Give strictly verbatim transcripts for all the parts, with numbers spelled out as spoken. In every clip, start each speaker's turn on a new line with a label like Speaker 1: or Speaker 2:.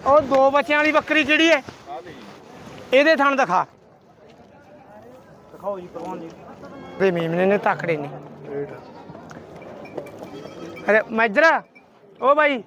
Speaker 1: ਉਹ ਦੋ ਬੱਚਿਆਂ ਵਾਲੀ ਬੱਕਰੀ ਕਿਹੜੀ ਹੈ? ਇਹਦੇ ਥਣ ਦਿਖਾ ਦਿਖਾਓ ਜੀ ਪ੍ਰਵਾਨ ਜੀ। ਤੇ ਮੇਮਨੇ ਨੇ ਤਕੜੇ ਨੇ। ਅਰੇ ਮੈਜਰਾ ਉਹ ਬਾਈ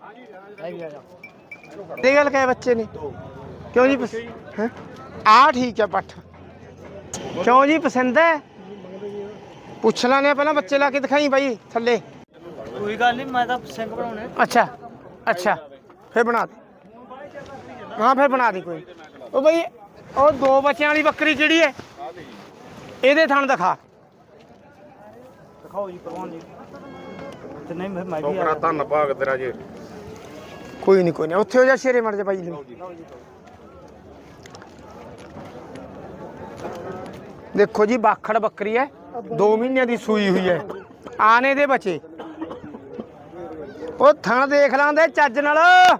Speaker 1: ਇਹ ਗੱਲ ਕਹੇ ਬੱਚੇ ਨੇ ਕਿਉਂ ਜੀ? ਹੈ ਆ ਠੀਕ ਹੈ ਪੱਠ ਕਿਉਂ ਜੀ ਪਸੰਦ ਹੈ? ਪੁੱਛ ਲੈਣੇ ਪਹਿਲਾਂ ਬੱਚੇ ਲਾ ਕੇ ਦਿਖਾਈ ਬਾਈ ਥੱਲੇ।
Speaker 2: ਕੋਈ ਗੱਲ ਨਹੀਂ ਮੈਂ ਤਾਂ ਸਿੰਘ ਬਣਾਉਣੇ।
Speaker 1: ਅੱਛਾ ਅੱਛਾ ਫਿਰ ਬਣਾ ਦੇ। ਹਾਂ ਫਿਰ ਬਣਾ ਦੇ ਕੋਈ। ਉਹ ਬਾਈ ਉਹ ਦੋ ਬੱਚਿਆਂ ਵਾਲੀ ਬੱਕਰੀ ਕਿਹੜੀ ਹੈ? ਇਹਦੇ ਥਣ ਦਿਖਾ
Speaker 2: ਦਿਖਾਓ ਜੀ ਪ੍ਰਵਾਨ ਜੀ। ਤੇ ਨਹੀਂ ਮੈਂ ਮੈਂ ਵੀ
Speaker 3: ਆ ਧੰਨ ਭਾਗ ਤੇਰਾ ਜੇ।
Speaker 1: ਕੋਈ ਨਹੀਂ ਕੋਈ ਨਹੀਂ ਉੱਥੇ ਹੋ ਜਾ ਸ਼ੇਰੇ ਮਰ ਜਾ ਬਾਈ ਲਈ। ਦੇਖੋ ਜੀ ਬਾਖੜ ਬੱਕਰੀ ਹੈ ਦੋ ਮਹੀਨਿਆਂ ਦੀ ਸੂਈ ਹੋਈ ਹੈ। ਆਨੇ ਦੇ ਬੱਚੇ ਉਹ ਥਣ ਦੇਖ ਲਾਂਦੇ ਚੱਜ ਨਾਲ।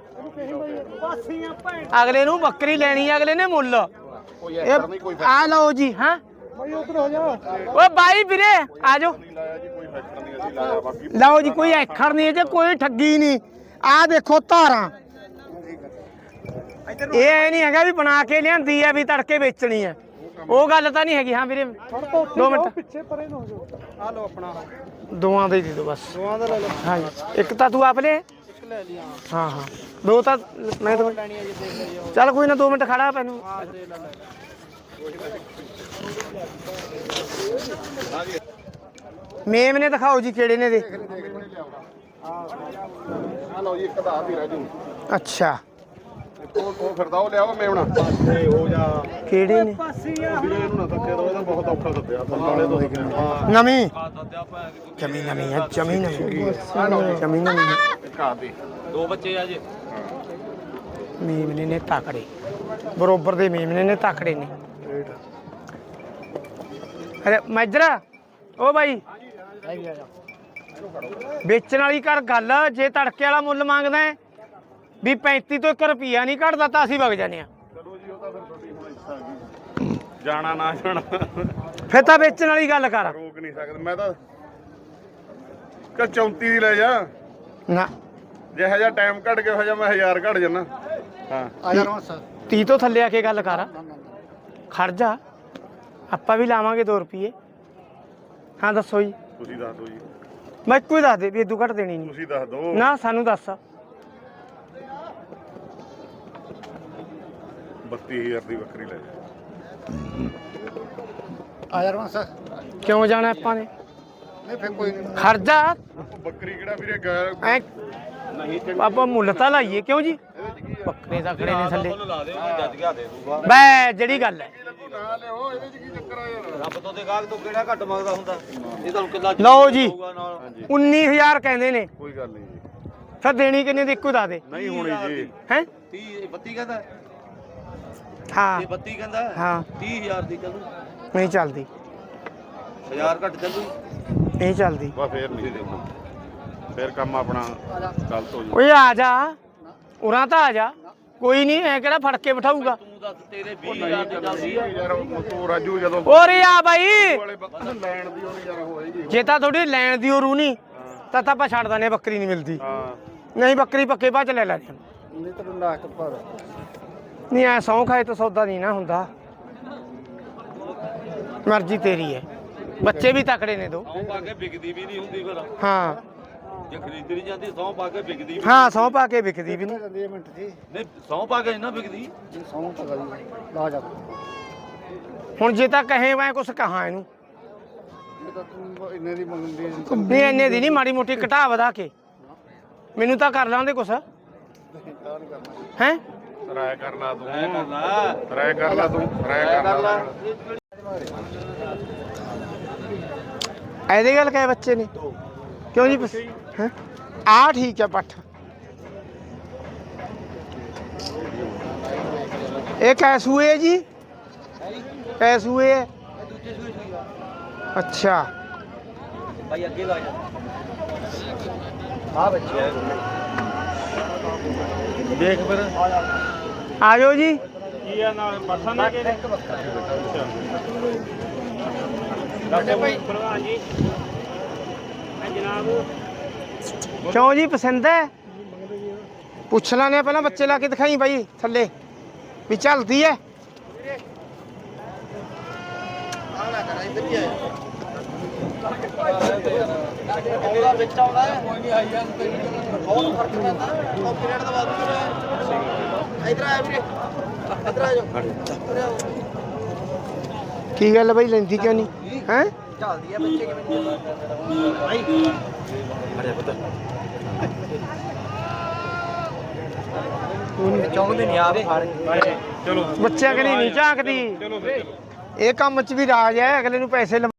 Speaker 1: ਅਗਲੇ ਨੂੰ ਬੱਕਰੀ ਲੈਣੀ ਅਗਲੇ ਨੇ ਮੁੱਲ। ਆ ਲਓ ਜੀ। ਹਾਂ ਓ ਬਾਈ ਵੀਰੇ ਆ ਜਾਓ। ਲਓ ਜੀ ਕੋਈ ਐਖੜ ਨਹੀਂ ਜੇ ਕੋਈ ਠੱਗੀ ਨਹੀਂ। ਆ ਦੇਖੋ ਧਾਰਾਂ ਇਹ ਐ ਨਹੀਂ ਹੈਗਾ ਵੀ ਬਣਾ ਕੇ ਲਿਆਂਦੀ ਆ ਵੀ ਤੜਕੇ ਵੇਚਣੀ ਹੈ। ਉਹ ਗੱਲ ਤਾਂ ਨਹੀਂ ਹੈਗੀ। ਹਾਂ ਵੀਰੇ ਦੋ ਮਿੰਟ
Speaker 2: ਪਿੱਛੇ ਪਰੇ ਨਾ ਹੋ ਜਾਓ। ਆ ਲਓ ਆਪਣਾ
Speaker 1: ਦੋਵਾਂ ਦੇ ਦੇ ਦਿਓ ਬਸ।
Speaker 2: ਦੋਵਾਂ ਦਾ ਲੈ ਲਓ।
Speaker 1: ਹਾਂ ਇੱਕ ਤਾਂ ਤੂੰ ਆਪ ਲੈ।
Speaker 2: ਇੱਕ ਲੈ ਲਈ ਹਾਂ।
Speaker 1: ਹਾਂ ਹਾਂ ਦੋ ਤਾਂ ਮੈਂ ਤਾਂ
Speaker 2: ਲੈਣੀ ਹੈ ਜੀ ਦੇਖ ਲਈਓ।
Speaker 1: ਚੱਲ ਕੋਈ ਨਾ ਦੋ ਮਿੰਟ ਖੜਾ ਪੈਨੂੰ।
Speaker 2: ਹਾਂ ਦੇ ਲੈ ਲੈ।
Speaker 1: ਮੇਮ ਨੇ ਦਿਖਾਓ ਜੀ ਕਿਹੜੇ ਨੇ ਦੇ।
Speaker 3: ਆ ਲਓ ਜੀ ਇੱਕ ਦਾ ਵੀ ਰਾਜੂ।
Speaker 1: ਅੱਛਾ
Speaker 3: ਉਹ ਉਹ ਫਿਰਦਾ ਉਹ ਲਿਆਵਾ ਮੇਵਣਾ ਤੇ ਉਹ ਜਾ
Speaker 1: ਕਿਹੜੇ ਨੇ?
Speaker 3: ਵੀਰੇ ਇਹਨੂੰ ਨਾ ਧੱਕੇ ਦੋ ਇਹਦਾ ਬਹੁਤ ਔਖਾ ਦੱਬਿਆ ਨਾਲੇ ਤੋਂ
Speaker 1: ਨਵੀਂ ਜਮੀ ਨਵੀਂ ਹੈ ਜਮੀ ਨਵੀਂ ਜਮੀ ਨਵੀਂ ਹੈ।
Speaker 3: ਘਾ ਦੇ
Speaker 2: ਦੋ ਬੱਚੇ ਆ ਜੀ।
Speaker 1: ਮੇਮਨੇ ਨੇ ਤਕੜੇ ਬਰੋਬਰ ਦੇ ਮੇਮਨੇ ਨੇ ਤਕੜੇ ਨੇ। ਅਰੇ ਮੈਜਰਾ ਉਹ ਬਾਈ ਵੇਚਣ ਵਾਲੀ ਕਰ ਗੱਲ। ਜੇ ਤੜਕੇ ਵਾਲਾ ਮੁੱਲ ਮੰਗਦਾ ਹੈ ਵੀ ਪੈਂਤੀ ਤੋਂ ਇੱਕ ਰੁਪਿਆ ਨਹੀਂ ਘਟਦਾ ਤਾਂ ਅਸੀਂ ਵਗ ਜਾਂਦੇ ਆ।
Speaker 3: ਚਲੋ ਜੀ ਉਹ ਤਾਂ ਫਿਰ ਤੁਹਾਡੀ ਹੁਣ ਇੱਛਾ ਹੈਗੀ ਜਾਣਾ ਨਾ ਜਾਣਾ
Speaker 1: ਫਿਰ ਤਾਂ ਵੇਚਣ ਵਾਲੀ ਗੱਲ ਕਰ।
Speaker 3: ਰੋਕ ਨਹੀਂ ਸਕਦੇ ਮੈਂ ਤਾਂ ਕਿ ਚੌਂਤੀ ਦੀ ਲੈ ਜਾ।
Speaker 1: ਨਾ
Speaker 3: ਜਿਹੋ ਜਿਹਾ ਟਾਈਮ ਘਟ ਗਿਆ ਹੋ ਜਾ ਮੈਂ ਹਜ਼ਾਰ ਘਟ ਜਾਣਾ। ਹਾਂ
Speaker 2: ਆ ਜਾ ਰੋਣ ਸਰ।
Speaker 1: ਤੀਹ ਤੋਂ ਥੱਲੇ ਆ ਕੇ ਗੱਲ ਕਰ। ਖੜ ਜਾ ਆਪਾਂ ਵੀ ਲਾਵਾਂਗੇ ਦੋ ਰੁਪਏ। ਹਾਂ ਦੱਸੋ ਜੀ।
Speaker 3: ਤੁਸੀਂ ਦੱਸ ਦਿਓ ਜੀ।
Speaker 1: ਮੈਂ ਇੱਕੋ ਹੀ ਦੱਸ ਦੇ ਵੀ ਇਦੋਂ ਘੱਟ ਦੇਣੀ ਨਹੀਂ।
Speaker 3: ਤੁਸੀਂ ਦੱਸ ਦਿਓ
Speaker 1: ਨਾ ਸਾਨੂੰ ਦੱਸ।
Speaker 3: ਬੱਤੀ ਹਜ਼ਾਰ ਦੀ ਬੱਕਰੀ ਲੈ ਜਾ।
Speaker 2: ਆ ਜਾ ਰੋਣ ਸਰ।
Speaker 1: ਕਿਉਂ ਜਾਣਾ ਆਪਾਂ ਨੇ?
Speaker 2: ਨਹੀਂ ਫਿਰ ਕੋਈ ਨਹੀਂ।
Speaker 1: ਖੜ ਜਾ
Speaker 3: ਬੱਕਰੀ ਕਿਹੜਾ ਵੀਰੇ ਗੈਰ
Speaker 1: ਐ
Speaker 3: ਨਹੀਂ ਤੇ
Speaker 1: ਆਪਾਂ ਮੁੱਲ ਤਾਂ ਲਾਈਏ ਕਿਉਂ ਜੀ? ਬੱਕਰੇ ਦਾ ਖੜੇ ਨੇ ਥੱਲੇ
Speaker 2: ਲਾ ਦੇ ਉਹ ਜੱਜ ਗਿਆ ਦੇ ਦੂਗਾ।
Speaker 1: ਬੈ ਜਿਹੜੀ ਗੱਲ ਹੈ।
Speaker 3: ਨਾ ਲਿਓ ਇਹਦੇ ਚ ਕੀ ਚੱਕਰ ਆ ਯਾਰ।
Speaker 2: ਰੱਬ ਤੋਂ ਦੇ ਗਾਹਕ ਤੋਂ ਕਿਹੜਾ ਘੱਟ ਮੰਗਦਾ ਹੁੰਦਾ। ਇਹ ਤੁਹਾਨੂੰ ਕਿੱਲਾ
Speaker 1: ਲਓ ਜੀ
Speaker 3: ਹਾਂਜੀ
Speaker 1: ਉੱਨੀ ਹਜ਼ਾਰ ਕਹਿੰਦੇ ਨੇ।
Speaker 3: ਕੋਈ ਗੱਲ ਨਹੀਂ ਜੀ।
Speaker 1: ਫਿਰ ਦੇਣੀ ਕਿੰਨੇ ਦੀ ਇੱਕੋ ਦੱਸ ਦੇ।
Speaker 3: ਨਹੀਂ ਹੋਣੀ ਜੀ।
Speaker 1: ਹੈ
Speaker 2: ਤੀਹ ਬੱਤੀ ਕਹਿੰਦਾ।
Speaker 1: ਹਾਂ
Speaker 2: ਇਹ ਬੱਤੀ ਕਹਿੰਦਾ।
Speaker 1: ਹਾਂ
Speaker 2: ਤੀਹ ਹਜ਼ਾਰ ਦੀ ਚੱਲੂ।
Speaker 1: ਨਹੀਂ ਚੱਲਦੀ
Speaker 2: ਹਜ਼ਾਰ ਘੱਟ ਚੱਲੂ।
Speaker 1: ਨਹੀਂ ਚੱਲਦੀ।
Speaker 3: ਬਾ ਫੇਰ ਨਹੀਂ ਦੇਣਾ ਫੇਰ ਕੰਮ ਆਪਣਾ ਗਲਤ ਹੋ ਜੂ।
Speaker 1: ਓਏ ਆ ਜਾ ਉਰਾਂ ਤਾਂ ਆ ਜਾ। ਕੋਈ ਨਹੀਂ ਐ ਕਿਹੜਾ ਫੜ ਕੇ ਬਿਠਾਊਗਾ।
Speaker 2: ਤੂੰ ਦੱਸ ਤੇਰੇ ਵੀਹ ਹਜ਼ਾਰ ਦੀ ਚੱਲਦੀ ਆ।
Speaker 3: ਯਾਰ ਤੂੰ ਰਾਜੂ ਜਦੋਂ
Speaker 1: ਓਰੇ ਆ ਬਾਈ
Speaker 3: ਵਾਲੇ ਬੱਕਰੀ ਲੈਣ ਦੀ ਉਹਨੇ ਯਾਰ ਹੋਏਗੀ।
Speaker 1: ਜੇ ਤਾਂ ਥੋੜੀ ਲੈਣ ਦੀ ਉਹ ਰੂ ਨਹੀਂ ਤਾਂ ਤਾਂ ਆਪਾਂ ਛੱਡ ਦਨੇ ਬੱਕਰੀ ਨਹੀਂ ਮਿਲਦੀ।
Speaker 3: ਹਾਂ
Speaker 1: ਨਹੀਂ ਬੱਕਰੀ ਪੱਕੇ ਬਾਅਦ ਚ ਲੈ ਲੈਣੇ।
Speaker 2: ਨਹੀਂ ਤਾਂ ਲੱਖ ਪਰ।
Speaker 1: ਨਹੀਂ ਐ ਸੌਂ ਖਾਏ ਤਾਂ ਸੌਦਾ ਨਹੀਂ ਨਾ ਹੁੰਦਾ। ਮਰਜ਼ੀ ਤੇਰੀ ਹੈ। ਬੱਚੇ ਵੀ ਤਕੜੇ ਨੇ ਦੋ।
Speaker 2: ਸੌਂ ਪਾ ਕੇ ਵਿਕਦੀ ਵੀ ਨਹੀਂ ਹੁੰਦੀ ਫਿਰ।
Speaker 1: ਹਾਂ
Speaker 2: ਜੇ ਖਰੀਦੀ ਨਹੀਂ ਜਾਂਦੀ ਸੌਂ ਪਾ ਕੇ ਵਿਕਦੀ ਵੀ
Speaker 1: ਹਾਂ ਸੌਂ ਪਾ ਕੇ ਵਿਕਦੀ ਵੀ ਨਹੀਂ।
Speaker 2: ਜਾਂਦੀ ਮਿੰਟ ਜੀ। ਨਹੀਂ ਸੌਂ ਪਾ ਕੇ ਨਾ ਵਿਕਦੀ। ਸੌਂ ਪਾ ਗਈ ਲਾ ਜਾ।
Speaker 1: ਹੁਣ ਜੇ ਤਾਂ ਕਹੇ ਮੈਂ ਕੁਛ ਕਹਾਂ ਇਹਨੂੰ
Speaker 2: ਇਹ ਤਾਂ ਤੂੰ ਇੰਨੇ ਦੀ ਮੰਗਦੀ
Speaker 1: ਨਹੀਂ ਇੰਨੇ ਦੀ ਨਹੀਂ ਮਾੜੀ ਮੋਟੀ ਘਟਾ ਵਧਾ ਕੇ ਮੈਨੂੰ ਤਾਂ ਕਰ ਲਾਂਦੇ ਕੁਛ। ਹੈ
Speaker 3: ਰਾਇ ਕਰ ਲਾ ਤੂੰ
Speaker 2: ਐ ਕਰ ਲਾ।
Speaker 3: ਰਾਇ ਕਰ ਲਾ ਤੂੰ ਰਾਇ ਕਰ ਲਾ।
Speaker 1: ਇਹਦੇ ਗੱਲ ਕਹੇ ਬੱਚੇ ਨੇ ਕਿਉਂ ਜੀ? ਹੈ ਆ ਠੀਕ ਹੈ ਪੱਠ। ਇਹ ਕੈਸੂਏ ਹੈ ਜੀ? ਕੈਸੂਏ ਹੈ? ਅੱਛਾ
Speaker 2: ਭਾਈ ਅੱਗੇ ਲਾ ਜਾ। ਆ ਬੱਚੇ
Speaker 3: ਦੇਖ ਫਿਰ
Speaker 1: ਆ ਜਾਓ ਜੀ।
Speaker 3: ਕੀ ਆ ਨਾਲ ਪਰਸਾ ਨਾ ਕੇ
Speaker 2: ਭਾਈ
Speaker 3: ਪ੍ਰਵਾਨ ਜੀ ਜਨਾਬ
Speaker 1: ਕਿਉਂ ਜੀ ਪਸੰਦ ਹੈ? ਪੁੱਛ ਲਾਨੇ ਪਹਿਲਾਂ ਬੱਚੇ ਲਾ ਕੇ ਦਿਖਾਈ ਬਾਈ ਥੱਲੇ ਵੀ ਚੱਲਦੀ ਐ
Speaker 2: ਆਣਾ ਕਰਾ ਇੱਧਰ ਹੀ ਆਇਆ ਉਹਦਾ ਵਿੱਚ ਆਉਂਦਾ ਹੈ ਕੋਈ ਨਹੀਂ ਆਈ ਜਾਂ ਬਹੁਤ ਫਰਕ ਪੈਂਦਾ ਕਾਪੀਰਾਈਟ ਦਾ ਬਾਅਦ ਵਿੱਚ ਇੱਧਰ ਆਇਆ ਵੀਰੇ ਇੱਧਰ ਆ ਜਾਓ
Speaker 1: ਕੀ ਗੱਲ ਬਾਈ ਲੈਂਦੀ ਕਿਉਂ ਨਹੀਂ ਹੈ
Speaker 2: ਚੱਲਦੀ ਆ ਬੱਚੇ ਕਿਵੇਂ ਭਾਈ ਅਰੇ ਪਤਾ ਚੌਂਕਦੇ ਨਹੀਂ ਆਪ ਫੜ
Speaker 3: ਚਲੋ
Speaker 1: ਬੱਚਿਆਂ ਕਨੀ ਨਹੀਂ ਝਾਕਦੀ
Speaker 3: ਚਲੋ ਫਿਰ ਚਲੋ
Speaker 1: ਇਹ ਕੰਮ 'ਚ ਵੀ ਰਾਜ ਹੈ ਅਗਲੇ ਨੂੰ ਪੈਸੇ